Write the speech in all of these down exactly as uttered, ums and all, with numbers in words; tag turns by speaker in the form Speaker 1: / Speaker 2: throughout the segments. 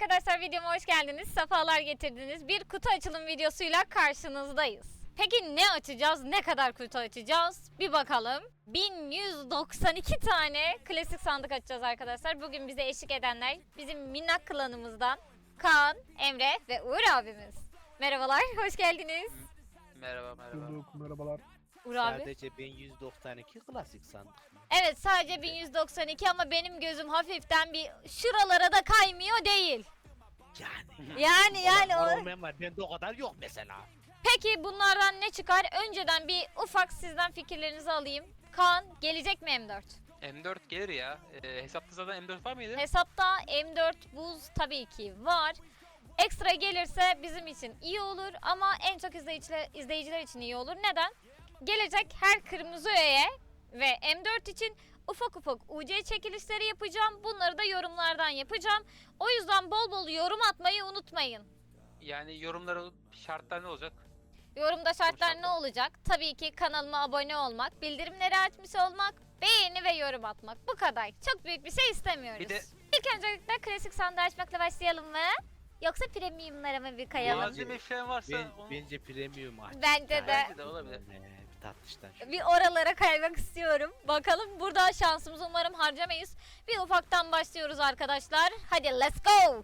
Speaker 1: arkadaşlar, videoma hoş geldiniz. Sefalar getirdiniz. Bir kutu açılım videosuyla karşınızdayız. Peki ne açacağız? Ne kadar kutu açacağız? Bir bakalım. bin yüz doksan iki tane klasik sandık açacağız arkadaşlar. Bugün bize eşlik edenler bizim minnak klanımızdan Kaan, Emre ve Uğur abimiz. Merhabalar, hoş geldiniz.
Speaker 2: Merhaba merhaba.
Speaker 3: Bulduk, merhabalar.
Speaker 1: Uğur abi.
Speaker 4: Sadece bin yüz doksan iki klasik sandık mı?
Speaker 1: Evet, sadece bin yüz doksan iki ama benim gözüm hafiften bir şuralara da kaymıyor değil.
Speaker 4: Yani.
Speaker 1: Yani yani
Speaker 4: Var,
Speaker 1: o...
Speaker 4: olmayan var. Bende o kadar yok mesela.
Speaker 1: Peki bunlardan ne çıkar? Önceden bir ufak sizden fikirlerinizi alayım. Kaan, gelecek mi M dört?
Speaker 2: M dört gelir ya. Ee, hesapta zaten M dört var mıydı?
Speaker 1: Hesapta M dört buz tabii ki var. Ekstra gelirse bizim için iyi olur ama en çok izleyiciler, izleyiciler için iyi olur. Neden? Gelecek her kırmızı öğeye ve M dört için ufak ufak U C çekilişleri yapacağım. Bunları da yorumlardan yapacağım. O yüzden bol bol yorum atmayı unutmayın.
Speaker 2: Yani yorumlara şartlar ne olacak?
Speaker 1: Yorumda şartlar
Speaker 2: şartlar.
Speaker 1: ne olacak? Tabii ki kanalıma abone olmak, bildirimleri açmış olmak, beğeni ve yorum atmak. Bu kadar. Çok büyük bir şey istemiyoruz.
Speaker 2: Bir de-
Speaker 1: İlk öncelikle klasik sandığı açmakla başlayalım mı? Yoksa premiumlara mı bir kayalım?
Speaker 4: Bence-
Speaker 2: Malzeme falan varsa
Speaker 4: Ben,
Speaker 2: onu...
Speaker 4: bence premium aç.
Speaker 1: Bence de.
Speaker 2: Bence de olabilir.
Speaker 4: Ee, bir tatlıştan şu.
Speaker 1: Bir oralara kaymak istiyorum. Bakalım, burada şansımızı umarım harcamayız. Bir ufaktan başlıyoruz arkadaşlar. Hadi let's go.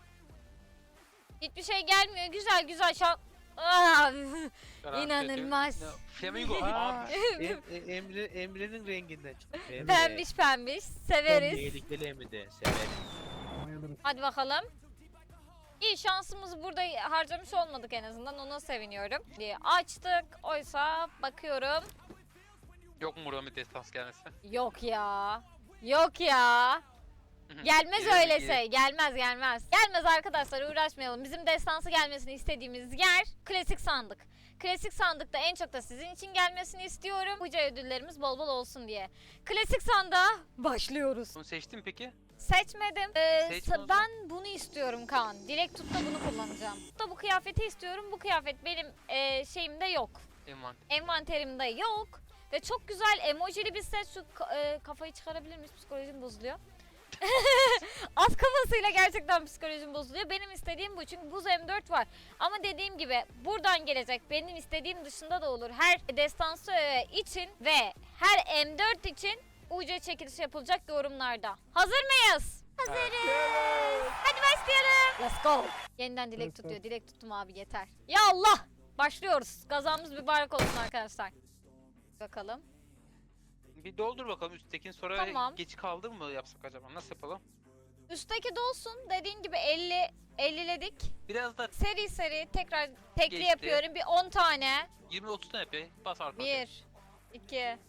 Speaker 1: Hiçbir şey gelmiyor. Güzel güzel şans. Ah,
Speaker 2: Garanti
Speaker 1: İnanılmaz.
Speaker 2: ediyorum. Ne? Flamingo.
Speaker 4: Aa,
Speaker 2: Abi.
Speaker 4: em, e- Emre, Emre'nin renginden çıktı. Emre.
Speaker 1: pembiş pembiş. Severiz.
Speaker 4: Tehlikeli Emre severiz.
Speaker 3: Bayılırız.
Speaker 1: Hadi bakalım. İyi, şansımızı burada harcamış olmadık en azından. Ona seviniyorum. Diye açtık. Oysa bakıyorum.
Speaker 2: Yok mu buradan bir destans gelmesi?
Speaker 1: Yok ya. Yok ya. Gelmez
Speaker 2: Gelir,
Speaker 1: öyle
Speaker 2: gelir.
Speaker 1: şey. Gelmez gelmez. Gelmez arkadaşlar, uğraşmayalım. Bizim destansı gelmesini istediğimiz yer klasik sandık. Klasik sandıkta en çok da sizin için gelmesini istiyorum. Buca ödüllerimiz bol bol olsun diye. Klasik sandığa başlıyoruz.
Speaker 2: Bunu seçtin mi peki?
Speaker 1: Seçmedim. Ee,
Speaker 2: Seçme o
Speaker 1: sa-
Speaker 2: zaman.
Speaker 1: ben bunu istiyorum Kaan. Dilek tutta bunu kullanacağım. Da bu kıyafeti istiyorum. Bu kıyafet benim e, şeyimde yok.
Speaker 2: Envanter.
Speaker 1: Envanterimde yok. Ve çok güzel emojili bir set. Şu ka- e, kafayı çıkarabilir miyiz? Psikolojim bozuluyor. Az kafasıyla gerçekten psikolojim bozuluyor. Benim istediğim bu, çünkü buz M dört var. Ama dediğim gibi buradan gelecek, benim istediğim dışında da olur. Her destansı öğe için ve her M dört için U C çekilişi yapılacak yorumlarda. Hazır mıyız? Hazırız. Hadi başlayalım. Let's go. Yeniden dilek
Speaker 3: Let's go.
Speaker 1: tutuyor. Dilek tuttum abi, yeter. Ya Allah. Başlıyoruz. Gazamız mübarek olsun arkadaşlar. Bakalım.
Speaker 2: Bir doldur bakalım üsttekini, sonra
Speaker 1: Tamam.
Speaker 2: geç kaldı mı yapsak acaba? Nasıl yapalım?
Speaker 1: Üstteki dolsun. Dediğin gibi elli elliledik.
Speaker 2: Biraz da
Speaker 1: Seri seri tekrar tekli
Speaker 2: Geçti.
Speaker 1: yapıyorum. Bir on tane.
Speaker 2: yirmi otuz tane yapayım. Bas arka.
Speaker 1: Bir, iki.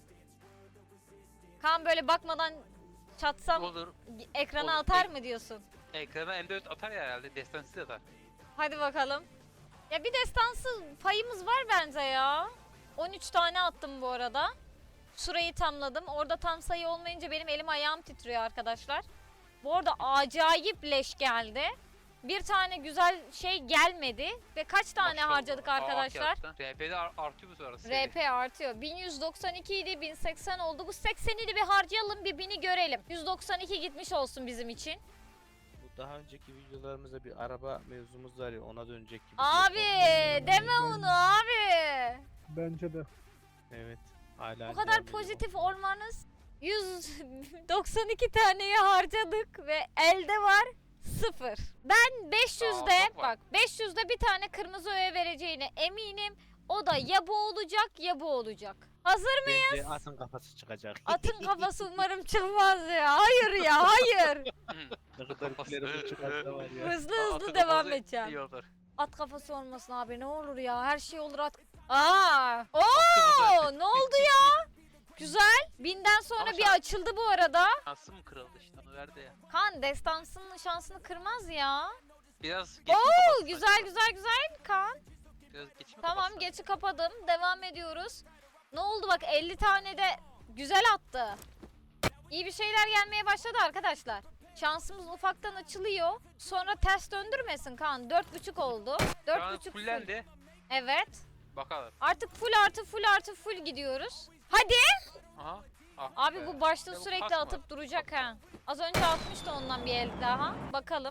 Speaker 1: Kan böyle bakmadan çatsam
Speaker 2: Olur.
Speaker 1: ekrana
Speaker 2: Olur.
Speaker 1: atar mı diyorsun?
Speaker 2: Ekrana M dört atar ya herhalde. Destansı da atar.
Speaker 1: Hadi bakalım. Ya bir destansı payımız var bence ya. on üç tane attım bu arada. Şurayı tamladım. Orada tam sayı olmayınca benim elim ayağım titriyor arkadaşlar. Bu arada acayip leş geldi. Bir tane güzel şey gelmedi. Ve kaç tane
Speaker 2: Maşallah.
Speaker 1: harcadık
Speaker 2: Aa,
Speaker 1: arkadaşlar?
Speaker 2: kağıttan. R P'de ar- artıyor bu sonrası.
Speaker 1: R P artıyor. bin yüz doksan iki idi, bin seksen oldu. Bu sekseni de bir harcayalım, bir bini görelim. yüz doksan iki gitmiş olsun bizim için.
Speaker 4: Bu daha önceki videolarımızda bir araba mevzumuz var ya, ona dönecek gibi.
Speaker 1: Abi deme onu abi.
Speaker 3: Bence de.
Speaker 4: Evet. Hala
Speaker 1: Bu kadar
Speaker 4: devam ediyor.
Speaker 1: pozitif olmanız. yüz doksan iki taneyi harcadık ve elde var sıfır. Ben beş yüzde
Speaker 2: Aa, çok var.
Speaker 1: bak beş yüzde bir tane kırmızı öğe vereceğine eminim. O da ya bu olacak ya bu olacak. Hazır mıyız?
Speaker 4: Bence atın kafası çıkacak.
Speaker 1: Atın kafası umarım çıkmaz ya. Hayır ya, hayır.
Speaker 4: Ne kadar gülerim çıkarsa var ya.
Speaker 1: Hızlı
Speaker 2: Aa,
Speaker 1: hızlı
Speaker 2: atın
Speaker 1: devam
Speaker 2: kafası
Speaker 1: edeceğim.
Speaker 2: iyi olur.
Speaker 1: At kafası olmasın abi, ne olur ya. Her şey olur at. Aa! Oo!
Speaker 2: kafası.
Speaker 1: Ne oldu ya? Güzel. Binden sonra
Speaker 2: Ama
Speaker 1: bir
Speaker 2: şans-
Speaker 1: açıldı bu arada.
Speaker 2: Şansı mı kırıldı işte, onu verdi ya.
Speaker 1: Kan destansının şansını kırmaz ya.
Speaker 2: Biraz geçim
Speaker 1: Oo,
Speaker 2: kafasına
Speaker 1: güzel
Speaker 2: acaba.
Speaker 1: güzel güzel Kan.
Speaker 2: Biraz geçim
Speaker 1: Tamam,
Speaker 2: kafasına.
Speaker 1: geçi kapadım. Devam ediyoruz. Ne oldu bak, elli tane de güzel attı. İyi bir şeyler gelmeye başladı arkadaşlar. Şansımız ufaktan açılıyor. Sonra ters döndürmesin Kan. Dört buçuk oldu.
Speaker 2: Şu an
Speaker 1: Dört buçuk full.
Speaker 2: fullendi.
Speaker 1: Evet.
Speaker 2: Bakalım.
Speaker 1: Artık full artı full artı full gidiyoruz. Hadi.
Speaker 2: Aha. Ah
Speaker 1: Abi
Speaker 2: be.
Speaker 1: bu başta
Speaker 2: Ya bu
Speaker 1: sürekli
Speaker 2: kasma.
Speaker 1: atıp duracak ha. Az önce atmıştı ondan bir el daha. Bakalım.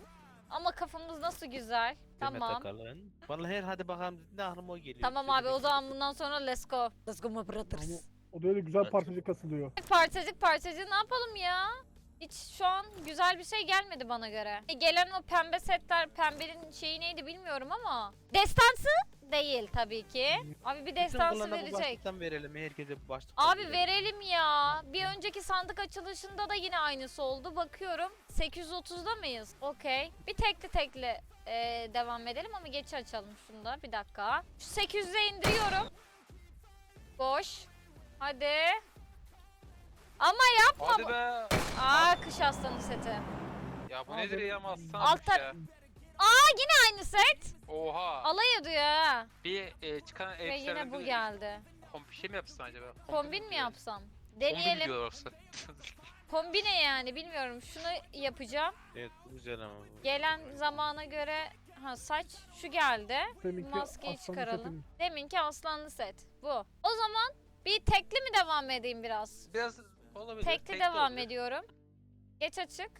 Speaker 1: Ama kafamız nasıl güzel.
Speaker 4: Demet
Speaker 1: Tamam.
Speaker 4: Akalın. Vallahi her hadi bakalım ne aklıma o geliyor.
Speaker 1: Tamam abi o zaman bundan sonra let's go. Let's go my brothers.
Speaker 3: Ama o da öyle güzel
Speaker 4: Evet.
Speaker 3: parçacık kasılıyor.
Speaker 1: Parçacık parçacık ne yapalım ya? Hiç şu an güzel bir şey gelmedi bana göre. E, Gelen o pembe setler, pembenin şeyi neydi bilmiyorum ama. Destansı değil tabii ki. Abi bir
Speaker 4: Bütün
Speaker 1: destansı
Speaker 4: kılana bu
Speaker 1: verecek.
Speaker 4: başlıktan verelim. Herkese bu başlıktan
Speaker 1: Abi
Speaker 4: verelim.
Speaker 1: verelim ya. Bir önceki sandık açılışında da yine aynısı oldu. Bakıyorum sekiz yüz otuzda mıyız? Okey. Bir tekli tekli e, devam edelim ama geç açalım şunu da. Bir dakika. Şu sekiz yüze indiriyorum. Boş. Hadi. Ama yapma.
Speaker 2: Hadi
Speaker 1: bu-
Speaker 2: be.
Speaker 1: Aa kış aslanı seti.
Speaker 2: Ya bu
Speaker 3: Abi,
Speaker 2: nedir ya mastan
Speaker 1: altta-
Speaker 2: ya.
Speaker 1: Aynı set.
Speaker 2: Oha.
Speaker 1: Alay ediyor ha.
Speaker 2: Bir e, çıkan
Speaker 1: Ve
Speaker 2: elbiselerden
Speaker 1: yine bu
Speaker 2: bir
Speaker 1: geldi.
Speaker 2: Kombi şey mi yapsın acaba?
Speaker 1: Kombin mi
Speaker 2: diyor.
Speaker 1: yapsam?
Speaker 2: Kombi
Speaker 1: Deneyelim.
Speaker 2: diyor yoksa.
Speaker 1: Kombine yani bilmiyorum. Şunu yapacağım.
Speaker 4: Evet bu güzel ama. bu.
Speaker 1: Gelen zamana göre ha saç şu geldi.
Speaker 3: Deminki
Speaker 1: Maskeyi
Speaker 3: aslanlı
Speaker 1: çıkaralım.
Speaker 3: setinin.
Speaker 1: Deminki aslanlı set. Bu. O zaman bir tekli mi devam edeyim biraz?
Speaker 2: Biraz olabilir.
Speaker 1: Tekli
Speaker 2: tek de
Speaker 1: devam
Speaker 2: olabilir.
Speaker 1: ediyorum. Geç açık.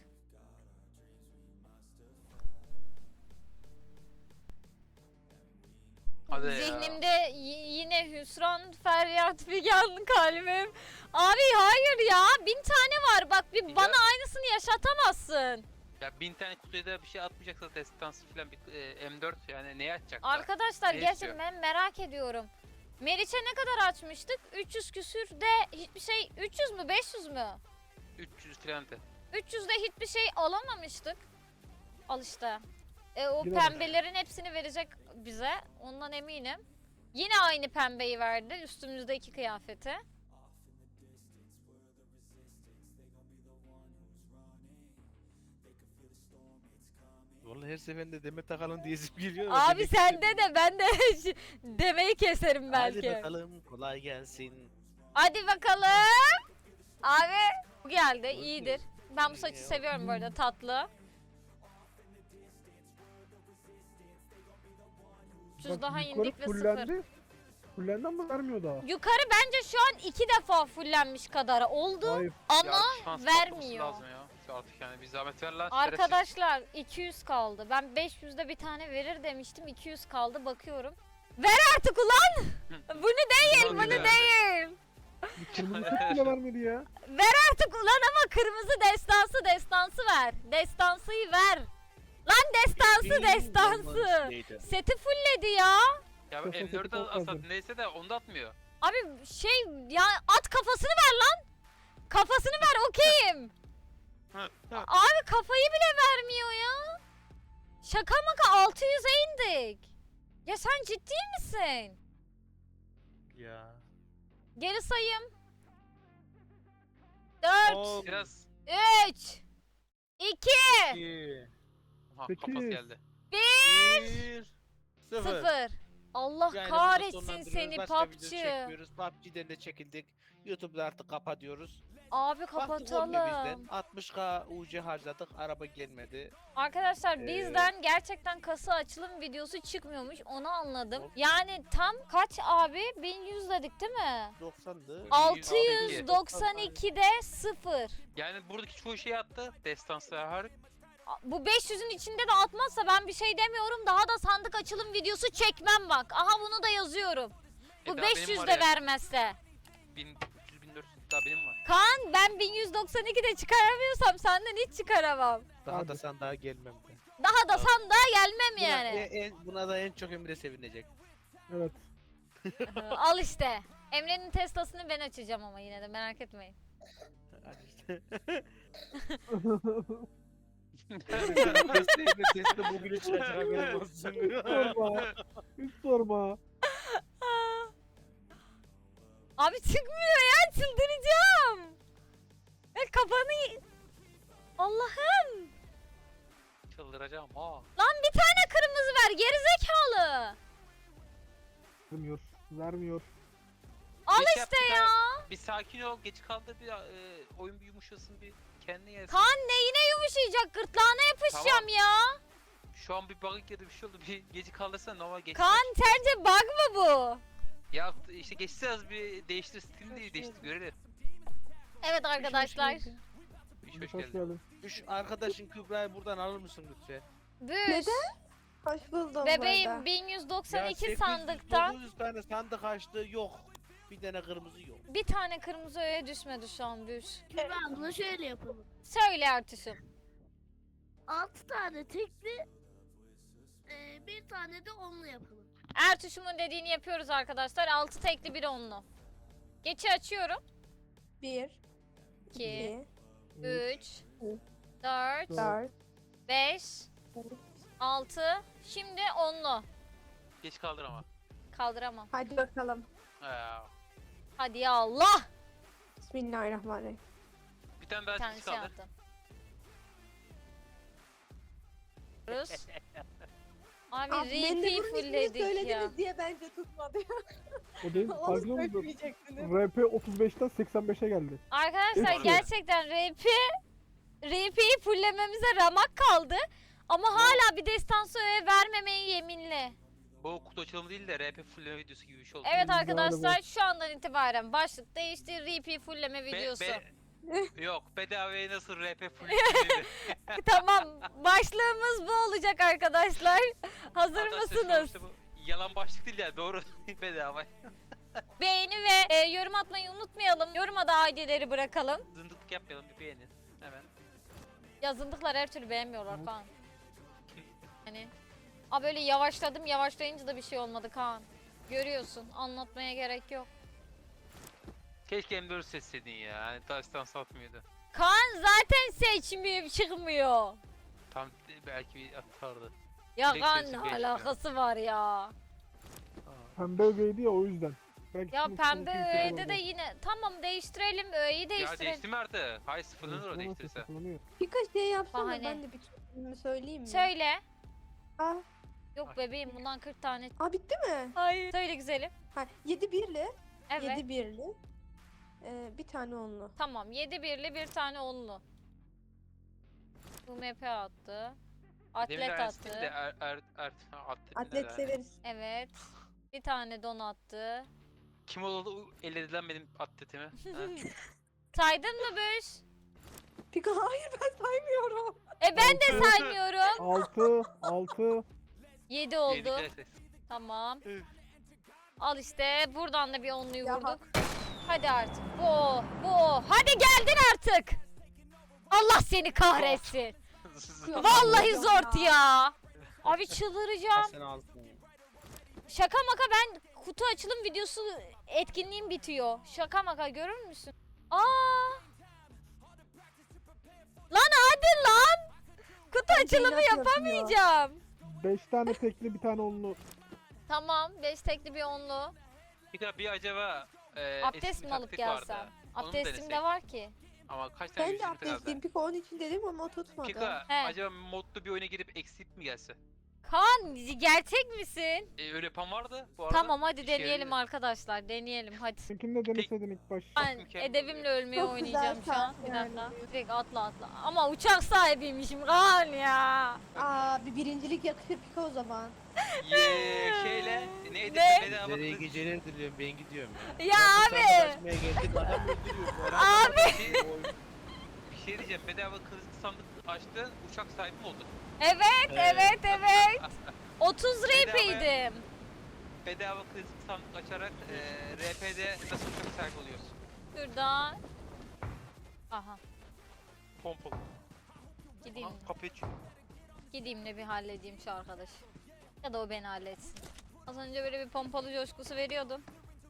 Speaker 2: Hadi ya.
Speaker 1: Zihnimde y- yine hüsran, feryat, figan kalbim. Abi hayır ya. Bin tane var. Bak bir
Speaker 2: Ya.
Speaker 1: bana aynısını yaşatamazsın.
Speaker 2: Ya bin tane kutuya da bir şey atmayacaksa destansı falan bir e, M dört yani neye atacak?
Speaker 1: Arkadaşlar
Speaker 2: Ne
Speaker 1: gerçekten
Speaker 2: istiyor?
Speaker 1: ben merak ediyorum. Meriç'e ne kadar açmıştık? üç yüz küsür de hiçbir şey üç yüz mü beş yüz mü?
Speaker 2: üç yüz falan de.
Speaker 1: üç yüzde hiçbir şey alamamıştık. Al işte. E, o
Speaker 3: Yine mi?
Speaker 1: pembelerin hepsini verecek bize. Ondan eminim. Yine aynı pembeyi verdi. Üstümüzdeki kıyafeti.
Speaker 4: Vallahi her seferinde Demet Akalın diyezip geliyor. ama
Speaker 1: Abi
Speaker 4: demek
Speaker 1: sende de ben de demeyi keserim
Speaker 4: Hadi
Speaker 1: belki.
Speaker 4: bakalım kolay gelsin.
Speaker 1: Hadi bakalım. Abi bu geldi iyidir. Ben bu saçı seviyorum bu arada tatlı. üç yüz
Speaker 3: Bak,
Speaker 1: daha
Speaker 3: yukarı
Speaker 1: indik ve sıfır.
Speaker 3: fullendi. Fullendi ama vermiyor daha.
Speaker 1: Yukarı bence şu an iki defa fullenmiş kadar oldu.
Speaker 3: Hayır.
Speaker 1: Ama
Speaker 2: Ya şans
Speaker 1: vermiyor.
Speaker 2: patlaması lazım ya. Artık yani bir zahmet ver lan. şerefsiz.
Speaker 1: arkadaşlar iki yüz kaldı. Ben beş yüzde bir tane verir demiştim. iki yüz kaldı bakıyorum. Ver artık ulan. Bunu değil,
Speaker 2: Ulan
Speaker 1: bunu
Speaker 2: bir de.
Speaker 1: değil.
Speaker 3: Bir kırmızı set bile vermedi ya.
Speaker 1: Ver artık ulan ama kırmızı destansı destansı ver. Destansıyı ver. Lan destansı destansı. Seti fullledi ya.
Speaker 2: Ya
Speaker 3: Kafası
Speaker 2: M dört'e
Speaker 3: çok
Speaker 2: asat
Speaker 3: fazla.
Speaker 2: neyse de onu da atmıyor.
Speaker 1: Abi şey ya at kafasını ver lan. Kafasını ver okeyim. Abi kafayı bile vermiyor ya. Şaka maka altı yüze indik. Ya sen ciddi misin?
Speaker 4: Ya.
Speaker 1: Geri sayım. dört,
Speaker 4: On,
Speaker 2: Biraz
Speaker 1: üç, iki,
Speaker 4: iki,
Speaker 2: ha,
Speaker 3: Peki.
Speaker 2: kafası geldi.
Speaker 4: bir, sıfır.
Speaker 1: sıfır. Allah
Speaker 4: Yani burada
Speaker 1: kahretsin
Speaker 4: sonlandırıyoruz.
Speaker 1: seni
Speaker 4: Başka video
Speaker 1: P U B G.
Speaker 4: çekmiyoruz. P U B G'den de çekildik. YouTube'da artık kapatıyoruz.
Speaker 1: Abi
Speaker 4: Baktık olmuyor bizden.
Speaker 1: kapatalım.
Speaker 4: altmış K U C harcadık. Araba gelmedi.
Speaker 1: Arkadaşlar
Speaker 4: Ee,
Speaker 1: bizden gerçekten kasa açılım videosu çıkmıyormuş onu anladım.
Speaker 4: Yok.
Speaker 1: Yani tam kaç abi? bin yüz dedik değil mi?
Speaker 4: doksandı.
Speaker 1: altı yüz doksan ikide sıfır.
Speaker 2: Yani buradaki çoğu şeyi attı. Destansı harika.
Speaker 1: Bu beş yüzün içinde de atmazsa ben bir şey demiyorum. Daha da sandık açılım videosu çekmem bak. Aha bunu da yazıyorum. Bu
Speaker 2: E, daha benim
Speaker 1: beş yüz
Speaker 2: var
Speaker 1: de
Speaker 2: ya.
Speaker 1: vermezse.
Speaker 2: bin üç yüz bin dört yüz daha benim var.
Speaker 1: Kaan ben bin yüz doksan ikide çıkaramıyorsam senden hiç çıkaramam.
Speaker 4: Daha
Speaker 3: Hadi.
Speaker 4: da sandığa gelmem ben.
Speaker 1: Daha da sandığa gelmem
Speaker 4: Buna,
Speaker 1: yani.
Speaker 4: en- en- buna da en çok Emre sevinecek.
Speaker 3: Evet.
Speaker 1: Al işte. Emre'nin Tesla'sını ben açacağım ama yine de merak etmeyin.
Speaker 4: Hadi işte. Testi, Emre testi bugün çıkacak haberin olsun.
Speaker 3: Sorma. Hiç sorma.
Speaker 1: Abi çıkmıyor ya çıldıracağım. Ya kafanı... y- Allah'ım.
Speaker 2: Çıldıracağım ha.
Speaker 1: Lan bir tane kırmızı ver gerizekalı.
Speaker 3: Vermiyor. Vermiyor.
Speaker 1: Al
Speaker 2: Bir şey
Speaker 1: işte
Speaker 2: yaptık
Speaker 1: ya.
Speaker 2: Bir sakin ol. Geç kaldı bir e, oyun bir yumuşasın bir kendine gelsin.
Speaker 1: Kan neyine yumuşayacak gırtlağına yapışacağım
Speaker 2: Tamam.
Speaker 1: ya.
Speaker 2: Şu an bir bug ya da bir şey oldu. Bir geci kalırsa normal geç.
Speaker 1: Kan sence bug mı bu?
Speaker 2: Ya işte geçse az bir değiştir stilini değil değiştir görelim.
Speaker 1: Evet arkadaşlar.
Speaker 2: Bir şey hoş
Speaker 3: Hoş
Speaker 2: geldin.
Speaker 3: geldin.
Speaker 4: Şu arkadaşın Kübra'yı buradan alır mısın lütfen?
Speaker 1: Büş.
Speaker 5: Neden? Hoş buldum bu
Speaker 1: Bebeğim
Speaker 5: arada.
Speaker 1: bin yüz doksan
Speaker 4: Ya
Speaker 1: iki
Speaker 4: sekiz yüz,
Speaker 1: sandıktan
Speaker 4: dokuz yüz tane sandık açtı yok. Bir tane kırmızı yok.
Speaker 1: bir tane kırmızı öğe düşmedi şu an Büş.
Speaker 6: Kübra abla şöyle yapalım.
Speaker 1: Söyle Ertuş'um.
Speaker 6: altı tane tekli, e, bir tane de onlu yapalım.
Speaker 1: Ertuş'umun dediğini yapıyoruz arkadaşlar. altı tekli bir onlu. Geçi açıyorum.
Speaker 5: Bir,
Speaker 1: iki,
Speaker 5: iki,
Speaker 1: üç,
Speaker 5: üç,
Speaker 1: dört,
Speaker 5: dört,
Speaker 1: beş, altı. Şimdi onlu.
Speaker 2: Geç kaldır ama.
Speaker 1: Kaldıramam.
Speaker 5: hadi bakalım.
Speaker 2: Aa,
Speaker 1: Hadi ya Allah.
Speaker 5: Bismillahirrahmanirrahim.
Speaker 2: bir tane
Speaker 1: Bir
Speaker 2: daha
Speaker 1: tane
Speaker 2: geç
Speaker 1: şey
Speaker 2: kaldır.
Speaker 1: yaptım. Rus. Abi
Speaker 5: Ah,
Speaker 1: repeat
Speaker 5: Mendebur'un ismini
Speaker 1: fullledik ya.
Speaker 5: söylediniz diye bence tutmadı.
Speaker 3: O değil.
Speaker 5: Onu
Speaker 3: Farkında mısın?
Speaker 5: söylemeyecektiniz.
Speaker 3: R P otuz beşten seksen beşe geldi.
Speaker 1: Arkadaşlar
Speaker 2: Doğru.
Speaker 1: gerçekten R P R P'yi fulllememize ramak kaldı. Ama hala bir destansı öğe vermemeyi yeminli.
Speaker 2: Bu kutu açılımı değil de R P fulleme videosu gibi bir şey oldu.
Speaker 1: Evet
Speaker 3: Hmm,
Speaker 1: arkadaşlar
Speaker 3: galiba.
Speaker 1: şu andan itibaren başlık değişti. R P fullleme
Speaker 2: Be-
Speaker 1: videosu.
Speaker 2: be- Yok bedavaya nasıl R P full
Speaker 1: Tamam başlığımız bu olacak arkadaşlar. Hazır mısınız?
Speaker 2: Yalan başlık değil ya doğru bedava.
Speaker 1: Beğeni ve e, yorum atmayı unutmayalım. Yoruma da I D'leri bırakalım.
Speaker 2: Zındıklık yapmayalım bir beğenin. Hemen.
Speaker 1: Yazındıklar her türlü beğenmiyorlar Kaan. Hani a böyle yavaşladım yavaşlayınca da bir şey olmadı Kaan. Görüyorsun anlatmaya gerek yok.
Speaker 2: Keşke M dört seçseydin ya. Hani taştan satmıyordu.
Speaker 1: Kaan zaten seçmiyor çıkmıyor.
Speaker 2: Tam belki bir atardı.
Speaker 1: Ya
Speaker 2: Direkt
Speaker 1: Kaan
Speaker 2: seçim
Speaker 1: ne
Speaker 2: geçmiyor.
Speaker 1: alakası var ya.
Speaker 3: Pembe ögeydi ya o yüzden. Belki
Speaker 1: Ya
Speaker 3: şimdi
Speaker 1: pembe
Speaker 3: kimse
Speaker 1: öğede
Speaker 3: kullanmaz.
Speaker 1: de yine tamam değiştirelim öğeyi
Speaker 2: Ya
Speaker 1: değiştirelim.
Speaker 2: değişti mi artık? Hayır sıfırlanır o
Speaker 3: Kullanamaz,
Speaker 2: değiştirirse.
Speaker 3: kullanıyor.
Speaker 5: Birkaç şey yapsana
Speaker 1: Bahane.
Speaker 5: ben de bir türlü söyleyeyim mi?
Speaker 1: Söyle.
Speaker 5: Aa,
Speaker 1: Yok bebeğim bundan kırk tane.
Speaker 5: aa bitti mi?
Speaker 1: Hayır. Söyle güzelim.
Speaker 5: Ha, yedi birli.
Speaker 1: Evet.
Speaker 5: Yedi birli. Ee, bir tane onlu.
Speaker 1: Tamam yedi birli bir tane onlu. U M P attı.
Speaker 2: Demin
Speaker 1: Atlet
Speaker 2: Ernst değil de
Speaker 1: attı.
Speaker 2: er, er, er, atlet,
Speaker 5: Atlet
Speaker 2: neler?
Speaker 5: severiz.
Speaker 1: Evet. Bir tane don attı.
Speaker 2: Kim oldu elledi lan benim atletimi? Ha?
Speaker 1: Saydın mı Büş?
Speaker 5: Pika hayır ben saymıyorum.
Speaker 1: E ben de saymıyorum.
Speaker 3: altı, altı.
Speaker 1: yedi oldu.
Speaker 2: Yedikler ses.
Speaker 1: Tamam.
Speaker 2: Üf.
Speaker 1: Al işte buradan da bir onluyu
Speaker 5: Ya
Speaker 1: vurduk. Hadi artık. Bu o, bu o. Hadi geldin artık. Allah seni kahretsin. Vallahi zor ya. Abi çıldıracağım.
Speaker 4: Sen altın.
Speaker 1: Şaka maka ben kutu açılım videosu etkinliğim bitiyor. Şaka maka görür müsün? Aa! Lan hadi lan. Kutu
Speaker 5: Ben
Speaker 1: açılımı
Speaker 5: zeynep yapıyor.
Speaker 1: yapamayacağım.
Speaker 3: beş tane tekli bir tane onlu.
Speaker 1: Tamam beş tekli bir onlu.
Speaker 2: Bir daha bir acaba e,
Speaker 1: Abdest
Speaker 2: eski bir
Speaker 1: mi alıp
Speaker 2: taktik vardı.
Speaker 1: gelsem?
Speaker 2: Onu mu
Speaker 1: Abdestim
Speaker 2: denesek?
Speaker 1: de var ki.
Speaker 2: Ama kaç tane
Speaker 5: Ben de
Speaker 2: yüzük kaldı?
Speaker 5: abdestliyim. Pika onun için dedim ama o tutmadı.
Speaker 2: Pika
Speaker 1: He.
Speaker 2: acaba modlu bir oyuna girip eksik mi gelse?
Speaker 1: Kaan gerçek misin?
Speaker 2: E, öyle yapan vardı bu arada.
Speaker 1: Tamam hadi
Speaker 2: İşe
Speaker 1: deneyelim
Speaker 2: yarıyor.
Speaker 1: arkadaşlar deneyelim hadi.
Speaker 3: Seninkini de deneseydin ilk baş.
Speaker 1: Ben
Speaker 2: mükemmel
Speaker 1: edebimle ölmeye
Speaker 5: Çok güzel
Speaker 1: oynayacağım şu an.
Speaker 5: saat
Speaker 1: Bir
Speaker 5: yani.
Speaker 1: dakika. Direkt atla atla. Ama uçak sahibiymişim Kaan ya.
Speaker 5: Aa bir birincilik yakışır Pika o zaman.
Speaker 2: Ye şeyle neydi?
Speaker 1: Ne?
Speaker 2: Bedava
Speaker 4: Nereye
Speaker 2: kız-
Speaker 4: geceler diliyorum ben gidiyorum ya.
Speaker 1: Ya
Speaker 4: Bak,
Speaker 1: abi.
Speaker 4: sandık açmaya geldik adam öldürüyor. bu arada.
Speaker 1: Abi.
Speaker 2: Bir şey, bir şey diyeceğim. Bedava kırmızı sandık açtın, uçak sahibi mi oldun?
Speaker 1: Evet evet evet. otuz ripiydim.
Speaker 2: Bedava kırmızı sandık açarak e, R P'de nasıl uçak sahibi oluyorsun?
Speaker 1: Şuradan. Aha
Speaker 2: Pompalı.
Speaker 1: gideyim.
Speaker 2: Aha, kapıyı açıyor.
Speaker 1: Gideyim de bir halledeyim şu arkadaşı. Ya da o beni halletsin. Az önce böyle bir pompalı coşkusu veriyordum.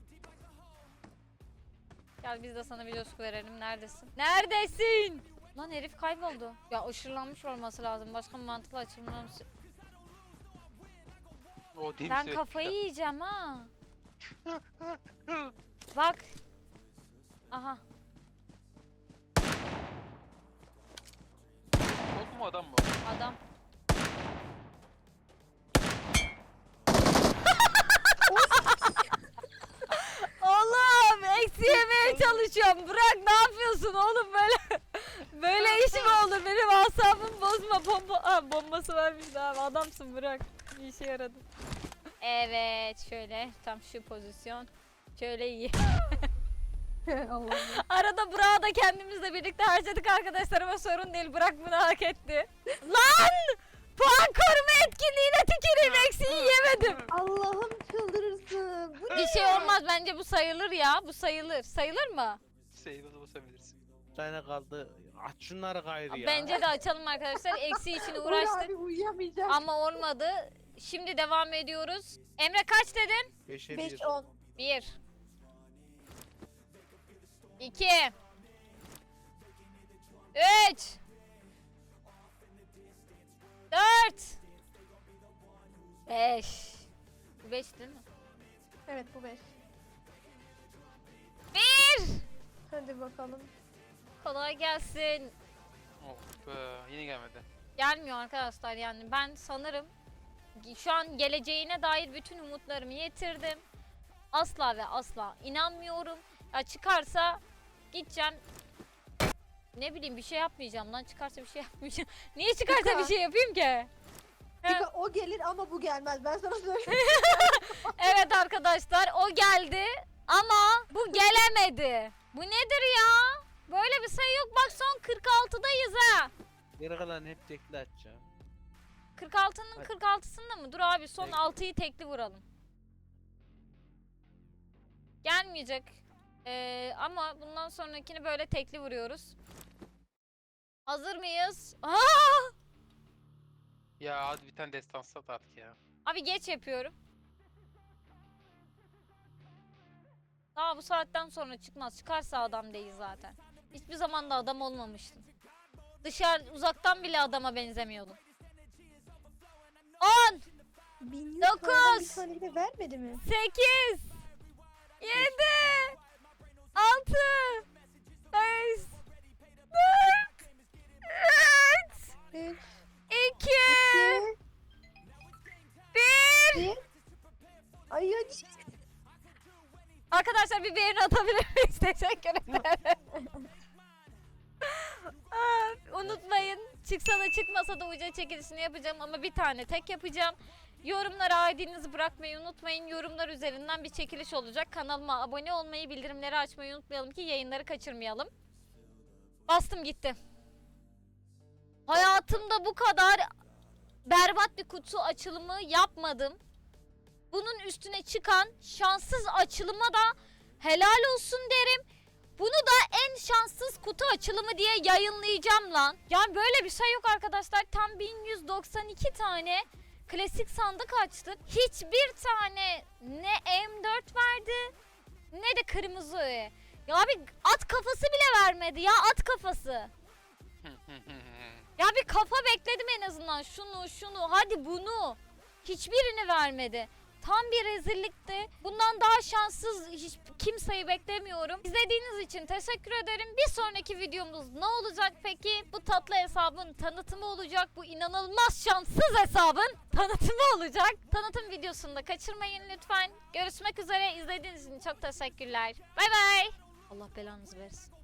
Speaker 1: Gel biz de sana bir coşku verelim. Neredesin? Neredesin? Lan herif kayboldu. Ya ışırlanmış olması lazım. Başka bir mantıklı açılmam.
Speaker 2: O değil
Speaker 1: Ben
Speaker 2: mi?
Speaker 1: kafayı yiyeceğim ha. Bak. Aha.
Speaker 2: Bot mu adam mı?
Speaker 1: Adam. Oğlum eksi yemeye çalışıyorum. Bırak ne yapıyorsun oğlum böyle? Böyle iş mi olur? Benim asabımı bozma. Bomba ha, bombası vermiş abi. Adamsın bırak. Bir işe yaradı. Evet şöyle tam şu pozisyon. Şöyle iyi.
Speaker 5: Allah'ım.
Speaker 1: Arada Burak'ı da kendimizle birlikte harcadık arkadaşlar ama sorun değil. Burak bunu hak etti. Lan! Puan koruma etkinliğine tüküreyim, eksiği yemedim.
Speaker 5: Allah'ım çıldırırsın. Bu
Speaker 1: Bir şey olmaz, bence bu sayılır ya. Bu sayılır. Sayılır mı?
Speaker 2: Sayılı basabilirsin.
Speaker 4: Bir tane kaldı. Aç şunları gayrı ya.
Speaker 1: Bence de açalım arkadaşlar. Eksiği için
Speaker 5: Uğur
Speaker 1: uğraştık
Speaker 5: abi uyuyamayacak.
Speaker 1: ama olmadı. Şimdi devam ediyoruz. Emre kaç dedin?
Speaker 4: beşe
Speaker 5: beş
Speaker 4: bir.
Speaker 5: on.
Speaker 1: Bir. İki. Üç. Dört. Beş. Bu beş değil mi?
Speaker 5: Evet bu beş.
Speaker 1: Bir.
Speaker 5: Hadi bakalım.
Speaker 1: Kolay gelsin.
Speaker 2: Oh be, yine gelmedi.
Speaker 1: Gelmiyor arkadaşlar, yani ben sanırım şu an geleceğine dair bütün umutlarımı yitirdim. Asla ve asla inanmıyorum. Ya çıkarsa gideceğim. Ne bileyim, bir şey yapmayacağım lan, çıkarsa bir şey yapmayacağım. Niye çıkarsa
Speaker 5: Pika.
Speaker 1: bir şey yapayım ki?
Speaker 5: Pika o gelir ama bu gelmez. Ben sana söyleyeyim.
Speaker 1: Evet arkadaşlar, o geldi ama bu gelemedi. Bu nedir ya? Böyle bir sayı yok, bak son kırk altıdayız ha.
Speaker 4: Geri kalan hep tekli açacağım.
Speaker 1: kırk altının
Speaker 4: Hadi.
Speaker 1: kırk altısında mı? Dur abi, son
Speaker 4: Tekli.
Speaker 1: altıyı tekli vuralım. Gelmeyecek. Ee, ama bundan sonrakini böyle tekli vuruyoruz. Hazır mıyız? Aa!
Speaker 2: Ya hadi bir tane destans sat artık ya.
Speaker 1: Abi geç yapıyorum. Daha bu saatten sonra çıkmaz. Çıkarsa adam değil zaten. Hiçbir zaman da adam olmamıştın. Dışarı uzaktan bile adama benzemiyordun. on,
Speaker 5: Bin yüz
Speaker 1: Dokuz.
Speaker 5: paranın bir tane bile vermedi mi?
Speaker 1: sekiz, yedi, altı, beş, dört, üç,
Speaker 5: üç,
Speaker 1: iki,
Speaker 5: iki,
Speaker 1: bir.
Speaker 5: bir. Ay ya
Speaker 1: Arkadaşlar bir beğeni atabilir miyiz? Teşekkür ederim. Aa, unutmayın, çıksa da çıkmasa da uca çekilişini yapacağım ama bir tane tek yapacağım. Yorumlara I D'nizi bırakmayı unutmayın. Yorumlar üzerinden bir çekiliş olacak. Kanalıma abone olmayı, bildirimleri açmayı unutmayalım ki yayınları kaçırmayalım. Bastım gitti. Hayatımda bu kadar berbat bir kutu açılımı yapmadım. Bunun üstüne çıkan şanssız açılıma da helal olsun derim. Bunu da en şanssız kutu açılımı diye yayınlayacağım lan. Yani böyle bir şey yok arkadaşlar. Tam bin yüz doksan iki tane klasik sandık açtık. Hiçbir tane ne M dört verdi ne de kırmızı öğe. Ya abi at kafası bile vermedi ya, at kafası. Ya bir kafa bekledim en azından, şunu şunu hadi bunu. Hiçbirini vermedi. Tam bir rezillikti. Bundan daha şanssız hiç kimseyi beklemiyorum. İzlediğiniz için teşekkür ederim. Bir sonraki videomuz ne olacak peki? Bu tatlı hesabın tanıtımı olacak. Bu inanılmaz şanssız hesabın tanıtımı olacak. Tanıtım videosunu da kaçırmayın lütfen. Görüşmek üzere. İzlediğiniz için çok teşekkürler. Bay bay. Allah belanızı versin.